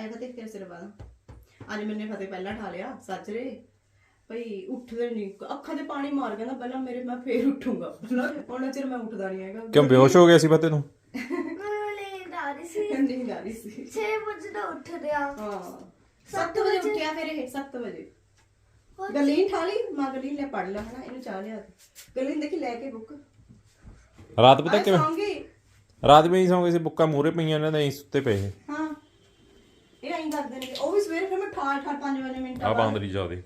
ਆਇਆ ਫਤਿਹ ਤੇਰੇ ਸਿਰ ਬਾਅਦ ਅੱਜ ਮੈਨੇ ਫਤਿਹ ਪਹਿਲਾਂ ਠਾ ਲਿਆ ਸੱਜਰੇ ਭਈ ਉੱਠਦੇ ਨਹੀਂ ਅੱਖਾਂ 'ਤੇ ਪਾਣੀ ਮਾਰ ਕਹਿੰਦਾ ਪਹਿਲਾਂ ਮੇਰੇ ਮੈਂ ਫੇਰ ਉੱਠੂਗਾ ਉਹਨਾਂ ਚਿਰ ਮੈਂ ਉੱਠਦਾ ਨਹੀਂ ਹੈਗਾ ਕਿਉਂ ਬੇਹੋਸ਼ ਹੋ ਗਿਆ ਸੀ ਫਤਿਹ ਨੂੰ ਨੀਂਦ ਆ ਰਹੀ ਸੀ 6 ਵਜੇ ਦਾ ਉੱਠਦੇ ਆ ਹਾਂ 7 ਵਜੇ ਉੱਠਿਆ ਫਿਰ ਇਹ 7 ਵਜੇ ਗਲੀਨ ਠਾ ਲਈ ਮਾਂ ਗਲੀਨ ਲੈ ਪੜ ਲਾ ਹਨਾ ਇਹਨੂੰ ਚਾਹ ਲਿਆ ਗਲੀਨ ਦੇਖੀ ਲੈ ਕੇ ਬੁੱਕ ਰਾਤ ਪਤਾ ਕਿਵੇਂ ਸੌਂਗੀ ਰਾਤ ਵੀ ਨਹੀਂ ਸੌਂਗੇ ਸੀ ਬੁੱਕਾਂ ਮੂਹਰੇ ਪਈਆਂ ਇਹਨਾਂ ਦੇ ਸੁੱਤੇ ਪਏ ਹਾਂ ਇਹ ਐਂ ਕਰਦੇ ਨੇ ਉਹ ਵੀ ਸਵੇਰੇ ਫਿਰ ਮੈਂ ਠਾਠ 5 ਮਿੰਟ ਆ ਬਾਂਦਰੀ ਜਾਦੇ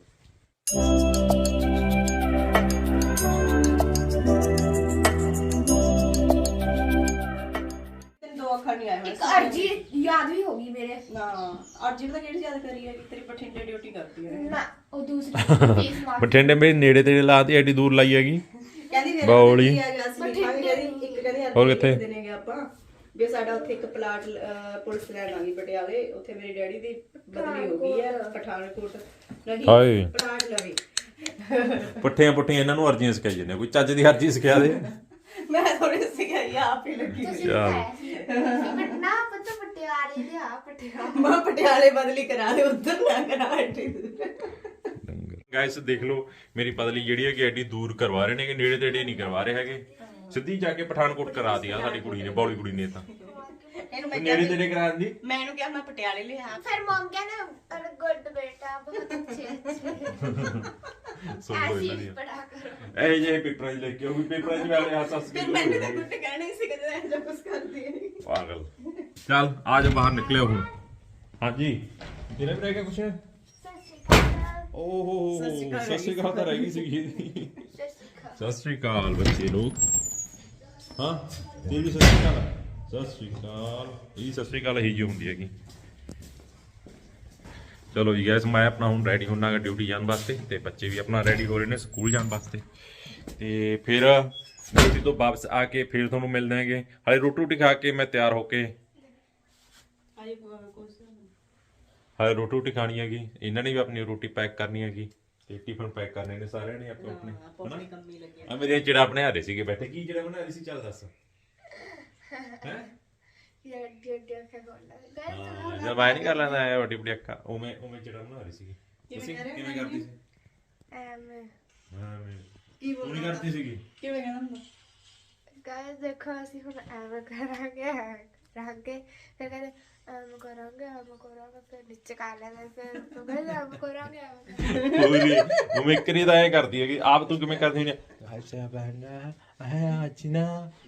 ਦੋ ਅੱਖਰ ਨਹੀਂ ਆਏ ਇੱਕ ਅਰਜੀ ਯਾਦ ਵੀ ਹੋ ਗਈ ਮੇਰੇ ਨਾ ਅਰਜੀ ਪਤਾ ਕਿਹੜੀ ਯਾਦ ਕਰੀ ਹੈ ਤੇਰੀ ਬਠਿੰਡੇ ਡਿਊਟੀ ਕਰਦੀ ਹੈ ਨਾ ਉਹ ਦੂਸਰੀ ਫੇਸ ਮਾਰਕ ਬਠਿੰਡੇ ਮੇਰੇ ਨੇੜੇ ਤੇੜੇ ਲਾਤੀ ਐਡੀ ਦੂਰ ਲਾਈ ਹੈਗੀ ਕਹਿੰਦੀ ਫਿਰ ਬੌਲੀ। ਕੀ ਆ ਗਿਆ ਸੀ ਕਹਿੰਦੀ ਇੱਕ ਕਹਿੰਦੀ ਹੋਰ ਕਿੱਥੇ? ਦੇਣਗੇ ਆਪਾਂ ਵੀ ਸਾਡਾ ਉੱਥੇ ਇੱਕ ਪਲਾਟ ਪੁਲਿਸ ਲੈਣ ਆ ਗਈ ਪਟਿਆਲੇ ਉੱਥੇ ਮੇਰੇ ਡੈਡੀ ਦੀ ਬਦਲੀ ਹੋ ਗਈ ਹੈ ਪਠਾਨਕੋਟ ਨਹੀਂ ਹਾਏ। ਪਲਾਟ ਲਵੇ ਪੁੱਠੀਆਂ ਇਹਨਾਂ ਨੂੰ ਅਰਜ਼ੀਆਂ ਸਿਖਾਈ ਜਾਂਦੇ ਕੋਈ ਚੱਜ ਦੀ ਅਰਜ਼ੀ ਸਿਖਾ ਦੇ ਮੈਂ ਥੋੜੀ ਸਿਖਾਈ ਆਪ ਹੀ ਲੱਗੀ ਤੁਸੀਂ ਚੱਲ। ਨਾ ਪਤਾ ਪਟਿਆਲੇ ਦੇ ਆ ਪਟਿਆਲੇ ਮੈਂ ਪਟਿਆਲੇ ਬਦਲੀ ਕਰਾ ਦੇ ਉੱਧਰ ਨਾ ਕਰਾ ਐਡੀ ਗਾਇਸ ਦੇਖ ਲਓ ਮੇਰੀ ਪਤਲੀ ਜਿਹੜੀ ਹੈ ਕਿ ਐਡੀ ਦੂਰ ਕਰਵਾ ਰਹੇ ਨੇ ਕਿ ਨੇੜੇ ਤੇੜੇ ਨਹੀਂ ਕਰਵਾ ਰਹੇ ਹੈਗੇ ਸਿੱਧੀ ਜਾ ਕੇ ਪਠਾਨਕੋਟ ਕਰਾ ਦਿਆ ਸਾਡੀ ਕੁੜੀ ਨੇ ਬੌਲੀ ਕੁੜੀ ਨੇ ਤਾਂ ਇਹਨੂੰ ਮੈਂ ਨੇੜੇ ਤੇੜੇ ਕਰਾ ਦਿੰਦੀ ਮੈਂ ਇਹਨੂੰ ਕਿਹਾ ਮੈਂ ਪਟਿਆਲੇ ਲਿਆ फिर मॉम कहना अरे गुड बेटा बहुत अच्छे ਸੋ ऐसे ਕੋਈ ही ਨਹੀਂ पढ़ा करो ਇਹ ਜੇ ਪੇਪਰਾਂ 'ਚ ਲੈ ਕੇ ਉਹ ਪੇਪਰਾਂ 'ਚ ਵਾਲੇ ਹੱਸ ਫਿਰ ਮੈਨੂੰ ਤਾਂ ਕੁਝ ਕਹਿਣਾ ਹੀ ਸੀ ਕਿ ਜਦੋਂ ਕੁਝ ਕਰਦੀ ਹੈ ਪਾਗਲ ਚੱਲ ਆ ਜਾ ਬਾਹਰ ਨਿਕਲਿਓ ਹੁਣ ਹਾਂਜੀ ਤੇਰਾ ਵੀ ਰਹਿ ਗਿਆ ਕੁਛ ਓਹੋ ਸਤਿ ਸ਼੍ਰੀ ਅਕਾਲ ਤਾਂ ਰਹਿ ਗਈ ਸੀਗੀ ਸਤਿ ਸ਼੍ਰੀ ਅਕਾਲ ਬੱਚੇ ਲੋਕ ਹਾਂ ਤੇਰੀ ਵੀ ਸਤਿ ਸ਼੍ਰੀ ਅਕਾਲ ਸਤਿ ਸ਼੍ਰੀ ਅਕਾਲ ਇਹ ਸਤਿ ਸ਼੍ਰੀ ਅਕਾਲ ਹੀ ਜੀ ਹੁੰਦੀ ਹੈਗੀ ਚਲੋ ਜੀ ਗਾਇਸ ਮੈਂ ਆਪਣਾ ਹੁਣ ਰੈਡੀ ਹੋਣਾ ਹੈ ਡਿਊਟੀ ਜਾਣ ਵਾਸਤੇ ਤੇ ਬੱਚੇ ਵੀ ਆਪਣਾ ਰੈਡੀ ਹੋ ਰਹੇ ਨੇ ਸਕੂਲ ਜਾਣ ਵਾਸਤੇ ਤੇ ਫਿਰ ਡਿਊਟੀ ਤੋਂ ਵਾਪਸ ਆ ਕੇ ਫਿਰ ਤੁਹਾਨੂੰ ਮਿਲਦੇ ਹੈਗੇ ਹਾਲੇ ਰੋਟੀ ਖਾ ਕੇ ਮੈਂ ਤਿਆਰ ਹੋ ਕੇ ਹਾਲੇ ਰੋਟੀ ਖਾਣੀ ਹੈਗੀ ਇਹਨਾਂ ਨੇ ਵੀ ਆਪਣੀ ਰੋਟੀ ਪੈਕ ਕਰਨੀ ਹੈਗੀ ਤੇ ਟਿਫਨ ਪੈਕ ਕਰਨੇ ਨੇ ਸਾਰਿਆਂ ਨੇ ਆਪਣੇ ਆਪਣੇ ਕੰਮੀ ਲੱਗੇ ਆ ਮੇਰੇ ਜਿਹੜਾ ਬਣਾ ਰਹੇ ਸੀਗੇ ਬੈਠੇ ਕੀ ਜਿਹੜਾ ਬਣਾ ਰਹੀ ਸੀ ਚੱਲ ਦੱਸ ਹੈ ਜਦ ਮੈਂ ਨਹੀਂ ਕਰ ਲੈਂਦਾ ਐ ਵੱਡੀ ਵੱਡੀ ਅੱਖਾਂ ਉਵੇਂ ਜਿਹੜਾ ਬਣਾ ਰਹੀ ਸੀਗੀ ਤੁਸੀਂ ਕਿਵੇਂ ਕਰਦੀ ਸੀ ਕੀ ਤੂੰ ਨਹੀਂ ਕਰਦੀ ਸੀਗੀ ਕਿਵੇਂ ਕਹਿੰਦਾ ਹੁੰਦਾ गाइस देखो ਅਸੀਂ ਹੁਣ ਐਵੇਂ ਕਰਾਂਗੇ ਫਿਰ ਕਹਿੰਦੇ ਐਵੇਂ ਕਰਾਂਗੇ ਫਿਰ ਨੀਚੇ ਕਰ ਲੈਂਦੇ ਫਿਰ ਤੂੰ ਕਹਿੰਦੇ ਐਵੇਂ ਕਰਾਂਗੇ ਕੋਈ ਨਹੀਂ ਉਵੇਂ ਕਰੀ ਤਾਂ ਐ ਕਰਦੀ ਹੈਗੀ ਆਪ ਤੂੰ ਕਿਵੇਂ ਕਰਦੀ ਹੁੰਦੀ ਐਸਾ ਬਣਾ ਆ ਅਚਨਾ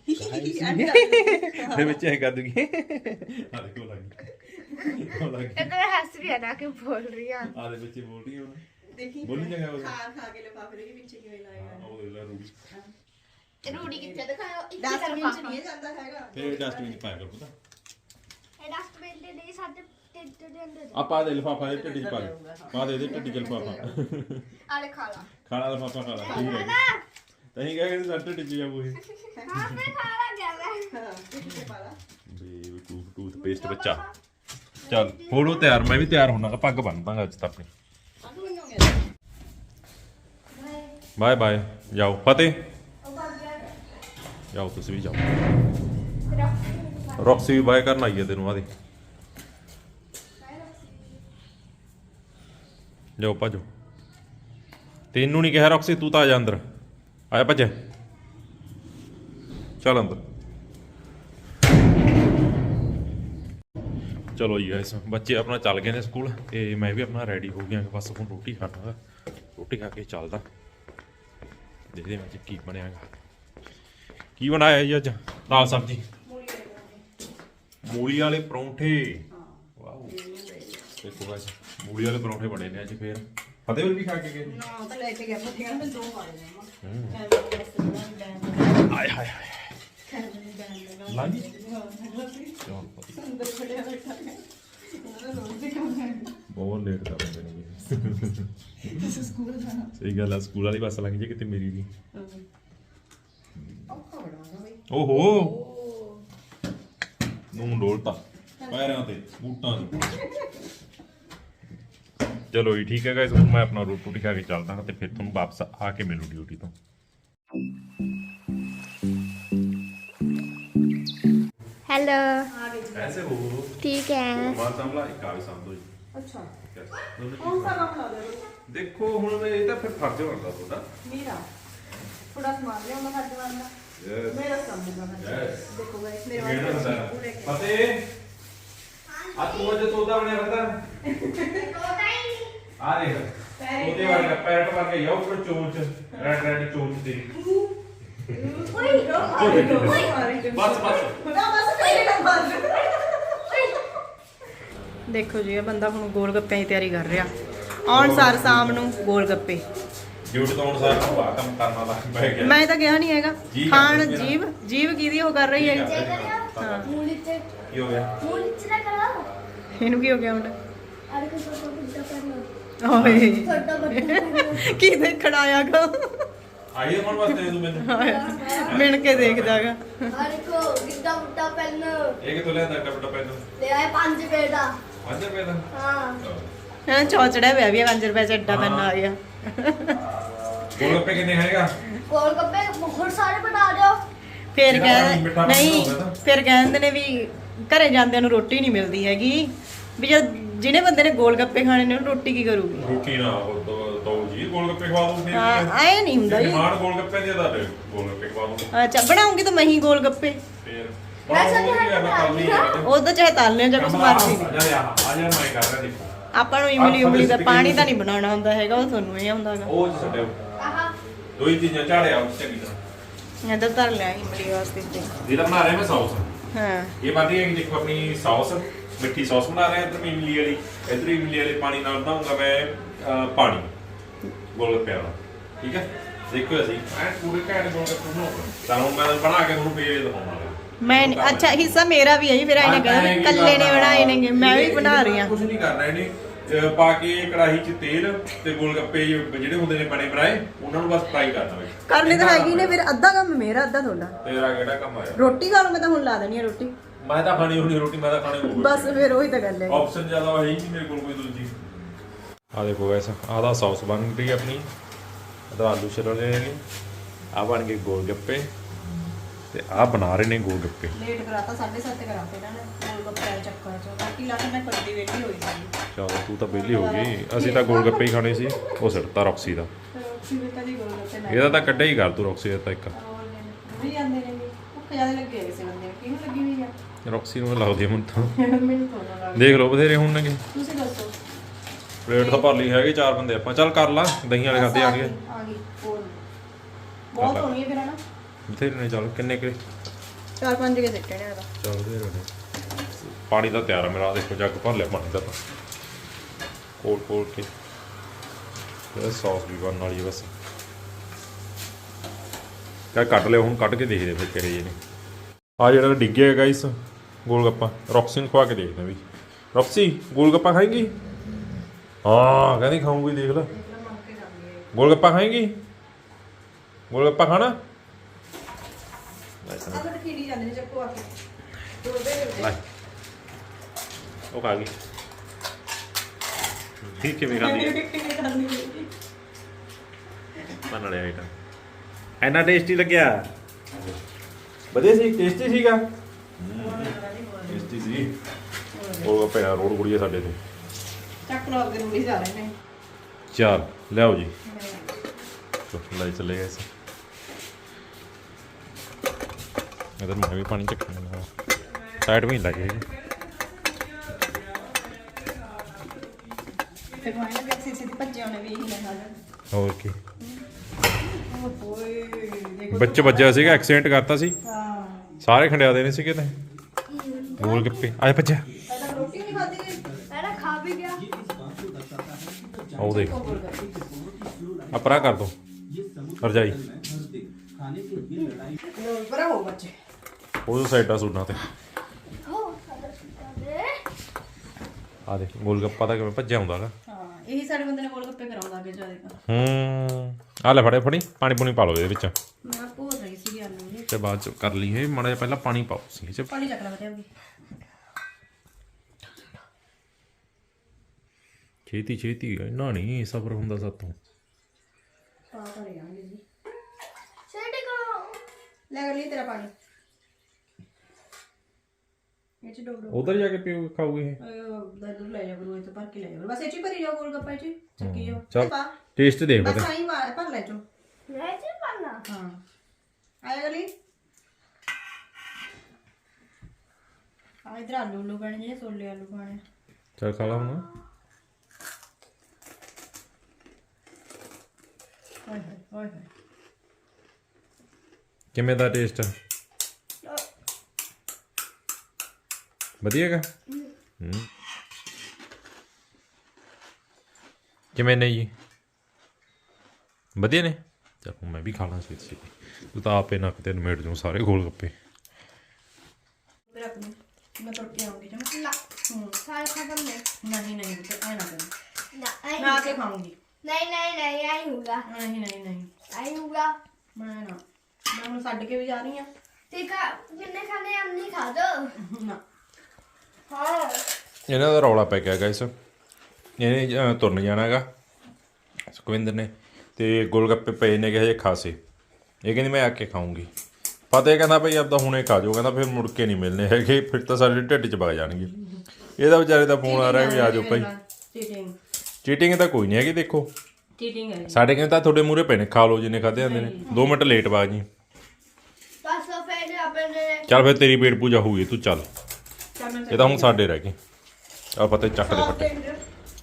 ਦੇ ਵਿੱਚ ਐ ਕਰ ਦੂਗੀ ਆ ਦੇਖੋ ਲੱਗੀ ਇਧਰ ਹੱਸ ਰਹੀ ਹੈ ਨਾ ਕਿ ਬੋਲ ਰਹੀ ਆ ਆ ਦੇ ਵਿੱਚ ਬੋਲ ਰਹੀ ਹੁਣ ਦੇਖੀ ਬੋਲੀ ਜਗਾ ਉਹ ਖਾ ਕੇ ਲਿਫਾਫੇ ਦੇ ਵਿੱਚ ਕਿਵੇਂ ਲਾਏਗਾ ਉਹ ਦੇ ਲੈ ਰੂੜੀ ਰੂੜੀ ਕਿੱਥੇ ਦਿਖਾਓ ਇੱਕ ਡਸਟਬਿਨ ਚ ਨਹੀਂ ਜਾਂਦਾ ਹੈਗਾ ਤੇ ਡਸਟਬਿਨ ਚ ਪਾਇਆ ਕਰ ਪਤਾ ਇਹ ਡਸਟਬਿਨ ਦੇ ਨਹੀਂ ਸਾਡੇ ਢਿੱਡ ਦੇ ਅੰਦਰ ਆਪਾਂ ਦੇ ਲਿਫਾਫਾ ਦੇ ਢਿੱਡੀ ਪਾ ਦੇ ਪਾ ਦੇ ਢਿੱਡੀ ਚ ਲਿਫਾਫਾ ਆਲੇ ਖਾ ਲਾ ਖਾਣਾ ਲਿਫਾਫਾ ਖਾ ਲਾ ਠੀਕ ਹੈ ਤਹੀਂ ਕਹੇ ਕਿ ਸਾਡੇ ਢਿੱਡੀ ਜਾਊ ਇਹ ਹਾਂ ਮੈਂ ਖਾ ਲਾ ਗਿਆ ਮੈਂ ਹਾਂ ਕਿੱਥੇ ਪਾ ਲਾ ਬੇ ਟੂਥ ਪੇਸਟ ਬੱਚਾ ਚੱਲ ਹੋੜੋ ਤਿਆਰ ਮੈਂ ਵੀ ਤਿਆਰ ਹੋਣਾ ਪੱਗ ਬੰਨਦਾਂਗਾ ਅੱਜ ਤਾਂ ਆਪਣੀ ਬਾਏ ਬਾਏ ਜਾਓ ਫਤਿਹ ਜਾਓ ਤੁਸੀਂ ਵੀ ਜਾਓ ਰੌਕਸੀ ਵੀ ਬਾਏ ਕਰਨ ਆਈ ਹੈ ਤੈਨੂੰ ਆਦੇ ਜਾਓ ਭੱਜੋ ਤੈਨੂੰ ਨਹੀਂ ਕਿਹਾ ਰੌਕਸੀ ਤੂੰ ਤਾਂ ਆ ਜਾ ਅੰਦਰ ਆਇਆ ਭੱਜ ਚੱਲ ਅੰਦਰ ਚਲੋ ਜੀ ਗਾਇਸ ਬੱਚੇ ਆਪਣਾ ਚੱਲ ਗਏ ਨੇ ਸਕੂਲ ਤੇ ਮੈਂ ਵੀ ਆਪਣਾ ਰੈਡੀ ਹੋ ਗਿਆ ਬਸ ਹੁਣ ਰੋਟੀ ਖਾਣਾ ਰੋਟੀ ਖਾ ਕੇ ਚੱਲਦਾ ਦੇਖਦੇ ਹਾਂ ਅੱਜ ਕੀ ਬਣਿਆਗਾ ਕੀ ਬਣਾਇਆ ਜੀ ਅੱਜ ਦਾਲ ਸਬਜ਼ੀ ਮੂਲੀ ਵਾਲੇ ਪਰੌਂਠੇ ਵਾਓ ਦੇਖੋ ਗਾਇਸ ਮੂਲੀ ਵਾਲੇ ਪਰੌਂਠੇ ਬਣੇ ਨੇ ਅੱਜ ਫੇਰ ਫਤਿਹ ਵੀ ਖਾ ਕੇ ਗਏ ਨਾ ਤਾਂ ਲੈ ਕੇ ਗਿਆ ਮੈਂ ਕਹਿੰਦਾ ਮੈਂ ਦੋ ਵਾਲੇ ਆਏ ਹਾਏ ਹਾਏ ਲਾਈ ਬਹੁਤ ਲੇਟ ਕਰ ਦਿੰਦੇ ਨੇ ਸਹੀ ਗੱਲ ਆ ਸਕੂਲ ਵਾਲੀ ਬੱਸ ਲੰਘ ਜੇ ਕਿਤੇ ਮੇਰੀ ਵੀ ਓਹੋ ਨੂੰ ਡੋਲਤਾ ਪੈਰਾਂ ਤੇ ਬੂਟਾਂ ਤੇ ਚਲੋ ਜੀ ਠੀਕ ਹੈ ਗਾਇਸ ਹੁਣ ਮੈਂ ਆਪਣਾ ਰੋਟੀ ਖਾ ਕੇ ਚੱਲਦਾ ਹਾਂ ਤੇ ਫਿਰ ਤੁਹਾਨੂੰ ਵਾਪਸ ਆ ਕੇ ਮਿਲੂ ਡਿਊਟੀ ਤੋਂ हेलो आ गए ऐसे हो ठीक है बात संभला एक कागज संभलो जी ਅੱਛਾ दोनों ਕੌਣ चीज़ ਸਾ ਕੰਮ ਲਾ ਦੇ देखो हुन मैं ये तो फिर फर्ज बनता थोड़ा ਮੇਰਾ ਥੋੜਾ ਸਮਾਨ ਲਿਆਉਣਾ ਸਾਡੇ ਵਾਲਾ यस ਮੇਰਾ ਸਮਝਦਾ ਮੈਂ यस ਦੇਖੋ ਗਾਇਸ ਮੇਰੇ मेरा ਵਾਲਾ होता ਪੂਰੇ के फतेह आज तू जो तोता बने रहता आ रे तोते वाले का पैर मार के यो ऊपर चोंच रेड रेड चोंच तेरी बस बस ਦੇਖੋ ਜੀ ਇਹ ਬੰਦਾ ਹੁਣ ਗੋਲ ਗੱਪਿਆਂ ਦੀ ਤਿਆਰੀ ਕਰ ਰਿਹਾ ਆਉਣ ਸਾਰ ਸ਼ਾਮ ਨੂੰ ਗੋਲ ਗੱਪੇ ਡਿਊਟੀ ਤੋਂ ਅਨੁਸਾਰ ਨੂੰ ਆ ਕੰਮ ਕਰਨਾ ਲੱਗ ਪੈ ਗਿਆ ਮੈਂ ਤਾਂ ਕਿਹਾ ਨਹੀਂ ਹੈਗਾ ਜੀ ਖਾਣ ਕਰਦੇ ਮੇਰਾ। ਜੀਵ ਕਿਹਦੀ ਉਹ ਕਰ ਰਹੀ ਹੈ ਹਾਂ मूली से ਕੀ ਹੋ ਗਿਆ मूली से ना करो ਇਹਨੂੰ ਕੀ ਹੋ ਗਿਆ ਹੁਣ अरे को छोटा बुड्ढा करना ਓਏ छोटा बुड्ढा करना ਕੀ ਦੇਖਣ ਆਇਆਗਾ ਆਈਏ ਕੌਣ ਵਾਸਤੇ ਤੂੰ ਮੈਨੂੰ ਮਿਣ ਕੇ ਦੇਖਦਾਗਾ अरे को गिद्दा बुड्ढा पहनना ਇਹ ਕਿਥੋਂ ਲਿਆਂਦਾ ਟਪਟਾ ਪੈਨ ले आए 5 रुपए का 5 ਰੁਪਏ ਦਾ हाँ ਹਾਂ ਚੌਚੜਾ ਪਿਆ ਵੀ 5 ਰੁਪਏ ਚ ਐਡਾ ਪੈਨ ਆ ਗਿਆ ਗੋਲ ਗੱਪੇ ਕਿੰਨੇ ਖਾਏਗਾ गोलगप्पे बहुत सारे बना रहे हो ਫਿਰ ਜਿਹੜਾ ਕਹਿੰਦੇ ਮਿੱਠਾ ਨਹੀਂ ਬਣਾਉਂਦਾ ਨਾ। ਫਿਰ ਕਹਿੰਦੇ ਨੇ ਵੀ ਘਰੇ ਜਾਂਦਿਆਂ ਨੂੰ ਰੋਟੀ ਨਹੀਂ ਮਿਲਦੀ ਹੈਗੀ ਵੀ ਜਦ ਜਿਹਨੇ ਬੰਦੇ ਨੇ ਗੋਲ ਗੱਪੇ ਖਾਣੇ ਨੇ ਉਹਨੂੰ ਰੋਟੀ ਕੀ ਕਰੂਗੀ ਰੋਟੀ ਨਾ ਦੋ ਜੀ ਗੋਲ ਗੱਪੇ ਖਵਾ ਦੂੰ ਫਿਰ ਹਾਂ ਆਏ ਨਹੀਂ ਹੁੰਦਾ ਜੀ ਮਾਨ ਗੋਲ ਗੱਪੇ ਦੇ ਦਾ ਗੋਲ ਗੱਪੇ ਖਵਾ ਦੂੰ ਅੱਛਾ ਬਣਾਉਂਗੀ ਤਾਂ ਮੈਂ ਹੀ ਗੋਲ ਗੱਪੇ ਫਿਰ ਵੈਸੇ ਤਾਂ ਉਹਦਾ ਚਾਹੇ ਤਲ ਲਿਓ ਜਾਂ ਕੁਛ ਮਰਜ਼ੀ ਆ ਜਾ ਮੈਂ ਕਰ ਰਿਹਾ ਦੇਖੋ ਆਪਾਂ ਨੂੰ ਇਮਲੀ ਉਮਲੀ ਦਾ ਪਾਣੀ ਤਾਂ ਨਹੀਂ ਬਣਾਉਣਾ ਹੁੰਦਾ ਹੈਗਾ ਉਹ ਤੁਹਾਨੂੰ ਇਹ ਹੁੰਦਾਗਾ ਉਹ ਛੱਡਿਓ कहा ਦੋ ਹੀ ਚੀਜ਼ਾਂ ਝਾੜਿਆ ਉਸ ਚੰਗੀ ਤਰ੍ਹਾਂ ਇਹਦਾ ਧਰ ਲਿਆ ਇਮਲੀ ਵਾਸਤੇ ਤੇ ਇਹਦਾ ਬਣਾ ਰਿਹਾ ਮੈਂ ਸੌਸ ਹਾਂ ਇਹ ਬਣ ਰਹੀ ਹੈ ਕਿ ਦੇਖੋ ਆਪਣੀ ਸੌਸ ਮਿੱਠੀ ਸੌਸ ਬਣਾ ਰਹੇ ਹਾਂ ਇੱਧਰ ਇਮਲੀ ਵਾਲੀ ਇੱਧਰ ਇਮਲੀ ਵਾਲੇ ਪਾਣੀ ਨਾਲ ਬਣਾਉਂਗਾ ਮੈਂ ਪਾਣੀ ਗੋਲ ਗੱਪੇ ਵਾਲਾ ਠੀਕ ਹੈ ਦੇਖੋ ਅਸੀਂ ਐ ਪੂਰੇ ਘੈਂਟ ਗੋਲ ਗੱਪੇ ਬਣਾਉਂਗਾ ਤਾਂ ਹੁਣ ਮੈਂ ਬਣਾ ਕੇ ਤੁਹਾਨੂੰ ਫੇਰ ਦਿਖਾਉਣਾ ਮੈਂ ਅੱਛਾ ਹਿੱਸਾ ਮੇਰਾ ਵੀ ਹੈ ਜੀ ਫਿਰ ਆਇਨੇ ਕਹਿੰਦਾ ਵੀ ਕੱਲੇ ਨੇ ਬਣਾਏ ਨੇਗੇ ਮੈਂ ਵੀ ਬਣਾ ਰਹੀ ਹਾਂ ਕੁਝ ਨਹੀਂ ਕਰਨਾ ਇਹਨੇ ਪਾ ਕੇ ਕੜਾਹੀ 'ਚ ਤੇਲ ਤੇ ਗੋਲ ਗੱਪੇ ਜਿਹੜੇ ਹੁੰਦੇ ਨੇ ਬਣੇ ਬਣਾਏ ਉਹਨਾਂ ਨੂੰ ਬਸ ਫਰਾਈ ਕਰਨਾ ਵੇ ਕਰਨੇ ਤਾਂ ਹੈਗੀ ਨੇ ਫਿਰ ਅੱਧਾ ਕੰਮ ਮੇਰਾ ਅੱਧਾ ਤੁਹਾਡਾ ਤੇਰਾ ਕਿਹੜਾ ਕੰਮ ਆਇਆ ਰੋਟੀ ਖਾ ਲਓ ਮੈਂ ਤਾਂ ਹੁਣ ਲਾ ਦੇਣੀ ਹੈ ਰੋਟੀ ਮੈਂ ਤਾਂ ਖਾਣੀ ਹੋਣੀ ਰੋਟੀ ਮੈਂ ਤਾਂ ਖਾਣੀ ਹੋਣੀ ਬਸ ਫਿਰ ਉਹੀ ਤਾਂ ਗੱਲ ਹੈ ਆਪਸ਼ਨ ਜ਼ਿਆਦਾ ਹੈ ਹੀ ਨਹੀਂ ਮੇਰੇ ਕੋਲ ਕੋਈ ਦੂਜੀ ਆ ਦੇਖੋ ਗਾਇਸ ਆਹ ਦਾ ਸੌਸ ਬਣ ਰਹੀ ਹੈ ਆਪਣੀ ਇਹਦਾ ਆਲੂ ਛਿੱਲ ਰਹੇ ਨੇ ਆ ਬਣ ਗਏ ਗੋਲ ਗੱਪੇ ਤੇ ਆ ਬਣਾ ਰਹੇ ਨੇ ਗੋਲ ਗੱਪੇ ਲੇਟ ਕਰਾਤਾ 7:30 ਕਰਾਤੇ ਇਹਨਾਂ ਨੇ ਗੋਲ ਗੱਪੇ ਦੇ ਚੱਕਰ ਚ ਬਾਕੀ ਲਾ ਕੇ ਮੈਂ ਕੱਢੀ ਵੇਲੀ ਹੋਈ ਸੀ ਚਲੋ ਤੂੰ ਤਾਂ ਵਿਹਲੀ ਹੋ ਗਈ ਅਸੀਂ ਤਾਂ ਗੋਲ ਗੱਪੇ ਹੀ ਖਾਣੇ ਸੀ ਉਹ ਸਿੱਟਤਾ ਰੌਕਸੀ ਦਾ ਫਿਰ ਕਿਵੇਂ ਕਦੀ ਗੋਲ ਗੱਪੇ ਨਾ ਇਹਦਾ ਤਾਂ ਕੱਢਿਆ ਹੀ ਕਰ ਤੂੰ ਰੌਕਸੀ ਦਾ ਤਾਂ ਇੱਕ ਵੀ ਜਾਂਦੇ ਨੇ ਭੁੱਖ ਜ਼ਿਆਦਾ ਲੱਗੇ ਹੋਏ ਸੀ ਬੰਦੇ ਨੂੰ ਕਿਹਨੂੰ ਲੱਗੀ ਹੋਈ ਆ ਰੌਕਸੀ ਨੂੰ ਲੱਗਦੀ ਹੁਣ ਤਾਂ ਮੈਨੂੰ ਤੋਂ ਲੱਗ ਦੇਖ ਲਓ ਬਥੇਰੇ ਹੋਣਗੇ ਤੁਸੀਂ ਦੱਸੋ ਪਲੇਟ ਤਾਂ ਭਰ ਲਈ ਹੈਗੀ 4 ਬੰਦੇ ਆਪਾਂ ਚੱਲ ਕਰ ਲਾ ਦਹੀਂ ਵਾਲੇ ਖਾਦੇ ਆ ਗਏ ਆ ਗਈ ਹੋਰ ਬਹੁਤ ਹੋਣੀ ਹੈ ਫਿਰ ਹਨਾ ਬਥੇਰੇ ਨੇ ਚੱਲ ਕਿੰਨੇ ਕਿ 4-5 ਕੇ ਸਿੱਟੇ ਨੇ ਇਹਦਾ ਚੱਲ ਬਥੇਰੇ ਨੇ ਪਾਣੀ ਤਾਂ ਤਿਆਰ ਆ ਮੇਰਾ ਆਹ ਦੇਖੋ ਜੱਗ ਭਰ ਲਿਆ ਪਾਣੀ ਦਾ ਤਾਂ ਕੋਲ ਕੇ ਇਹ ਸੌਸ ਵੀ ਬਣਨ ਵਾਲੀ ਹੈ ਬਸ ਕਾ ਕੱਢ ਲਿਓ ਹੁਣ ਕੱਢ ਕੇ ਦੇਖਦੇ ਫਿਰ ਕਿਹੜੇ ਜਿਹੇ ਨੇ ਆ ਜਿਹੜਾ ਡਿੱਗਿਆ ਗਾਇਸ ਗੋਲ ਗੱਪਾ ਰੌਕਸੀ ਨੂੰ ਖਵਾ ਕੇ ਦੇਖਦੇ ਵੀ ਰੌਕਸੀ ਗੋਲ ਗੱਪਾ ਖਾਏਂਗੀ ਹਾਂ ਕਹਿੰਦੀ ਖਾਊਂਗੀ ਦੇਖ ਲੈ ਗੋਲ ਗੱਪਾ ਖਾਏਂਗੀ ਗੋਲ ਗੱਪਾ ਖਾਣਾ ਆ ਤਾਂ ਖੀੜੀ ਜਾਂਦੇ ਨੇ ਚੱਕੋ ਆ ਕੇ ਲੈ ਉਹ ਖਾ ਗਈ ਠੀਕ ਕਿਵੇਂ ਖਾਂਦੀ ਹੈ ਬਣ ਲਿਆ ਆਈਟਮ ਇੰਨਾ ਟੇਸਟੀ ਲੱਗਿਆ ਵਧੀਆ ਸੀ ਟੇਸਟੀ ਸੀਗਾ ਟੇਸਟੀ ਸੀ ਉਹ ਪਿਆ ਰੋੜ ਗੁੜੀਆ ਸਾਡੇ ਤੇ ਚੱਕ ਲੋ ਅੱਗੇ ਰੂੜੀ ਜਾ ਰਹੇ ਨੇ ਚੱਲ ਲਿਆਓ ਜੀ ਲੈ ਚੱਲੇ ਗਏ ਸੀ ਇਧਰ ਮੈਂ ਵੀ ਪਾਣੀ ਚੱਕਣਾ ਸਾਈਡ ਵੀ ਲੱਗੇ ਤੇ ਕੋਈ ਨਾ ਵੀ ਸਿੱਧੀ ਭੱਜੇ ਉਹਨੇ ਵੀ ਇਹੀ ਨਾ ਖਾ ਲੈਣ ਹੋਰ ਕੀ ਓਏ ਦੇਖੋ ਬੱਚੇ ਵੱਜਿਆ ਸੀਗਾ ਐਕਸੀਡੈਂਟ ਕਰਤਾ ਸੀ ਹਾਂ ਸਾਰੇ ਖੰਡਿਆ ਦੇ ਨੇ ਸੀ ਕਿਤੇ ਗੋਲ ਗੱਪੇ ਆਏ ਬੱਚਾ ਪਹਿਲਾਂ ਰੋਟੀ ਨਹੀਂ ਖਾਦੀ ਗਈ मैंने खा भी गया ਉਹ ਦੇਖ ਅਪਰਾ ਕਰ ਦੋ ਰਜਾਈ ਬਰਾ ਹੋ ਬੱਚੇ ਉਹ ਸਾਈਡਾਂ ਸੁਣਨਾ ਤੇ ਆ ਦੇਖ ਗੋਲ ਗੱਪਾ ਤਾਂ ਕਿਵੇਂ ਭੱਜਿਆ ਹੁੰਦਾ ਗਾ ਹਾਂ ਇਹੀ ਸਾਡੇ ਬੰਦੇ ਨੇ ਗੋਲ ਗੱਪੇ ਕਰਾਉਂਦਾ ਅੱਗੇ ਜਿਆਦਾ ਆ ਲੈ ਫੜੇ ਫੜੀ ਪਾਣੀ ਪੂਣੀ ਪਾ ਲਓ ਇਹਦੇ ਵਿੱਚ ਮੈਂ ਭੋਰ ਰਹੀ ਸੀ ਆਲੂ ਨੇ ਤੇ ਬਾਅਦ ਚ ਕਰ ਲਈ ਇਹ ਮਾੜਾ ਜਿਹਾ ਪਹਿਲਾਂ ਪਾਣੀ ਪਾਓ ਸੀ ਇਹ ਚ ਪਾਣੀ ਚੱਕ ਲਾ ਬਤਿਆਂਗੀ ਛੇਤੀ ਛੇਤੀ ਇੰਨਾ ਨਹੀਂ ਸਬਰ ਹੁੰਦਾ ਸਾਤੋਂ ਪਾ ਭਰੇ ਆਂਗੇ ਜੀ सेटी करो ਲੈ ਕਰ ਲਈ ਤੇਰਾ ਪਾਣੀ ਇਹ ਚ ਚ ਡੋਬ ਡੋਬ ਉਧਰ ਜਾ ਕੇ ਪੀਓ ਖਾਓਗੇ ਇਹ ਦਰ ਲੈ ਜਾ ਕਰੋ, ਇਹ ਤਾਂ ਭਰ ਕੇ ਲੈ ਜਾ ਕਰੋ, ਬਸ ਇਹ ਚ ਹੀ ਭਰੀ ਜਾਓ ਗੋਲ ਗੱਪਾ ਚ ਚੱਕੀ ਜਾਓ ਚੱਲ। ਪਾ ਟੇਸਟ ਦੇਖ ਬਸ ਪਤਾ ਆਈ ਮਾਰ ਭਰ ਲੈ ਚੋ ਲੈ ਚ ਪਾਣਾ ਹਾਂ ਆਇਆ ਗਲੀ ਆ ਇਧਰ ਆਲੂ ਪੈਣੇ ਜਿਹੜੇ ਛੋਲੇ ਆਲੂ ਪਾਣੇ ਚੱਲ ਖਾ ਲਾ ਹੁਣ ਹਾਏ ਹਾਏ ਹਾਏ ਹਾਏ ਕਿਵੇਂ ਦਾ ਟੇਸਟ ਵਧੀਆ ਹੈਗਾ ਕਿਵੇਂ ਨੇ ਜੀ ਵਧੀਆ ਨੇ ਚਲ ਹੁਣ ਮੈਂ ਵੀ ਖਾਣਾ ਸੀ ਤੂੰ ਤਾਂ ਆਪੇ ਨੱਕ ਤੇ ਨਿਮੇੜ ਜੂ ਸਾਰੇ ਗੋਲ ਗੱਪੇ ਰੱਖ ਲਓ ਮੈਂ ਤੁਰ ਕੇ ਆਉਂਗੀ ਚੰਗਾ ਨਾ ਸਾਰੇ ਖਤਮ ਨੇ ਨਹੀਂ ਨਹੀਂ ਤੇ ਐ ਨਾ ਕਰ ਨਾ ਮੈਂ ਆ ਕੇ ਖਾਉਂਗੀ ਨਹੀਂ ਨਹੀਂ ਨਹੀਂ ਆਈ ਹੋਗਾ ਨਹੀਂ ਨਹੀਂ ਨਹੀਂ ਆਈ ਹੋਗਾ ਮੈਂ ਨਾ ਮੈਂ ਹੁਣ ਛੱਡ ਕੇ ਵੀ ਜਾ ਰਹੀ ਆ ਠੀਕ ਆ ਕਿੰਨੇ ਖਾਣੇ ਆ ਨਹੀਂ ਖਾ ਦੋ ਨਾ ਹਾਂ ਇਹਨਾਂ ਦਾ ਰੌਲਾ ਪੈ ਗਿਆ ਗਾਇਸ ਇਹਨੇ ਤੁਰਨ ਜਾਣਾ ਹੈਗਾ ਸੁਖਵਿੰਦਰ ਨੇ ਤੇ ਗੋਲ ਗੱਪੇ ਪਏ ਨੇ ਹਜੇ ਖਾਸੇ ਇਹ ਕਹਿੰਦੀ ਮੈਂ ਆ ਕੇ ਖਾਊਂਗੀ ਫਤਿਹ ਕਹਿੰਦਾ ਭਈ ਆਪਦਾ ਹੁਣੇ ਖਾ ਜਾਓ ਕਹਿੰਦਾ ਫਿਰ ਮੁੜ ਕੇ ਨਹੀਂ ਮਿਲਨੇ ਹੈਗੇ ਫਿਰ ਤਾਂ ਸਾਡੇ ਢਿੱਡ 'ਚ ਵਗ ਜਾਣਗੇ ਇਹਦਾ ਵਿਚਾਰੇ ਦਾ ਫੋਨ ਆ ਰਿਹਾ ਵੀ ਆ ਜਾਓ ਭਾਈ ਚੀਟਿੰਗ ਚੀਟਿੰਗ ਤਾਂ ਕੋਈ ਨਹੀਂ ਹੈਗੀ ਦੇਖੋ ਚੀਟਿੰਗ ਹੈ ਸਾਡੇ ਕਹਿੰਦੇ ਤਾਂ ਤੁਹਾਡੇ ਮੂਹਰੇ ਪਏ ਨੇ ਖਾ ਲਓ ਜਿੰਨੇ ਖਾਦੇ ਜਾਂਦੇ ਨੇ 2 ਮਿੰਟ ਲੇਟ ਬਾਗ ਜੀ ਬਸ ਫਿਰ ਆਪਣੇ ਚੱਲ ਫਿਰ ਤੇਰੀ ਪੇਟ ਪੂਜਾ ਹੋਊਗੀ ਤੂੰ ਚੱਲ ਚੱਲ ਮੈਂ ਇਹ ਤਾਂ ਹੁਣ ਸਾਡੇ ਰਹਿ ਗਏ ਆ ਪਤਾ ਚੱਕ ਦੇ ਫੱਟੇ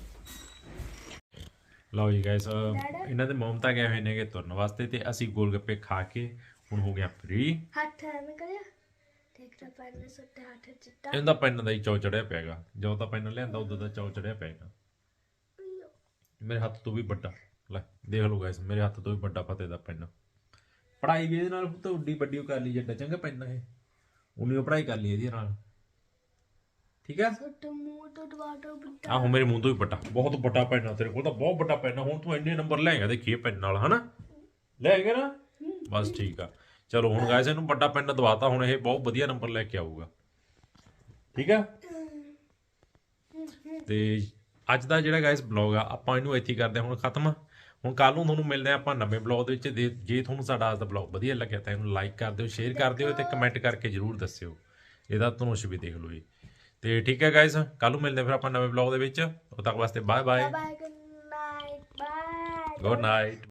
ਲਓ ਜੀ ਗਾਇਸ ਇਹਨਾਂ ਦੇ ਮਮ ਤਾਂ ਗਏ ਹੋਏ ਨੇਗੇ ਤੁਰਨ ਵਾਸਤੇ ਤੇ ਅਸੀਂ ਗੋਲ ਗੱਪੇ ਖਾ ਕੇ ਹੁਣ ਹੋ ਗਿਆ ਫ੍ਰੀ ਹੱਥ ਐਵੇਂ ਕਰਿਆ ਦੇਖ ਰਾ ਪੈਨ ਸੁੱਤੇ ਹੱਥ ਚਿੱਟਾ ਇਹਦਾ ਪੈਨ ਦਾ ਹੀ ਚੌ ਚੜਿਆ ਪਿਆਗਾ ਜਦੋਂ ਤਾਂ ਪੈਨ ਲਿਆਂਦਾ ਉਦੋਂ ਦਾ ਚੌ ਚੜਿਆ ਪਿਆਗਾ ਮੇਰੇ ਹੱਥ ਤੋਂ ਵੀ ਵੱਡਾ ਲੈ ਦੇਖ ਲਓ ਗਾਇਸ ਮੇਰੇ ਹੱਥ ਤੋਂ ਵੀ ਵੱਡਾ ਫਤਿਹ ਦਾ ਪੈਨ ਪੜਾਈ ਵੀ ਇਹਦੇ ਨਾਲ ਤਾਂ ਉੱਡੀ ਵੱਡੀ ਕਰ ਲਈ ਜੱਟਾ ਚੰਗਾ ਪੈਨ ਇਹ ਉਨੀ ਪੜਾਈ ਕਰ ਲਈ ਇਹਦੇ ਨਾਲ ਠੀਕ ਆ ਛੋਟਾ ਮੂੰਹ ਤੋਂ ਟਵਾਟੋ ਬਿੱਟਾ ਆਹੋ ਮੇਰੇ ਮੂੰਹ ਤੋਂ ਵੀ ਵੱਡਾ ਬਹੁਤ ਵੱਡਾ ਪੈਨ ਆ ਤੇਰੇ ਕੋਲ ਤਾਂ ਬਹੁਤ ਵੱਡਾ ਪੈਨ ਆ ਹੁਣ ਤੂੰ ਇੰਨੇ ਨੰਬਰ ਲੈਂਗਾ ਦੇਖੀਏ ਪੈਨ ਨਾਲ ਹਨਾ ਲੈਂਗਾ ਨਾ ਬਸ ਠੀਕ ਆ ਚਲੋ ਹੁਣ ਗਾਇਸ ਇਹਨੂੰ ਵੱਡਾ ਪੈਨ ਦਵਾਤਾ ਹੁਣ ਇਹ ਬਹੁਤ ਵਧੀਆ ਨੰਬਰ ਲੈ ਕੇ ਆਊਗਾ ਠੀਕ ਆ ਤੇ ਅੱਜ ਦਾ ਜਿਹੜਾ ਗਾਇਸ ਬਲੌਗ ਆ ਆਪਾਂ ਇਹਨੂੰ ਇੱਥੇ ਕਰਦੇ ਹੁਣ ਖਤਮ ਹੁਣ ਕੱਲ ਨੂੰ ਤੁਹਾਨੂੰ ਮਿਲਦੇ ਆ ਆਪਾਂ ਨਵੇਂ ਬਲੌਗ ਦੇ ਵਿੱਚ ਜੇ ਤੁਹਾਨੂੰ ਸਾਡਾ ਅੱਜ ਦਾ ਬਲੌਗ ਵਧੀਆ ਲੱਗਿਆ ਤਾਂ ਇਹਨੂੰ ਲਾਈਕ ਕਰ ਦਿਓ ਸ਼ੇਅਰ ਕਰ ਦਿਓ ਤੇ ਕਮੈਂਟ ਕਰਕੇ ਜਰੂਰ ਦੱਸਿਓ ਇਹਦਾ ਧਨੁਸ਼ ਵੀ ਦੇਖ ਲਓ ਜੀ ਤੇ ਠੀਕ ਹੈ ਗਾਇਸ ਕੱਲ ਨੂੰ ਮਿਲਦੇ ਫਿਰ ਆਪਾਂ ਨਵੇਂ ਬਲੌਗ ਦੇ ਵਿੱਚ ਉਦੋਂ ਤੱਕ ਵਾਸਤੇ bye bye bye good night bye good night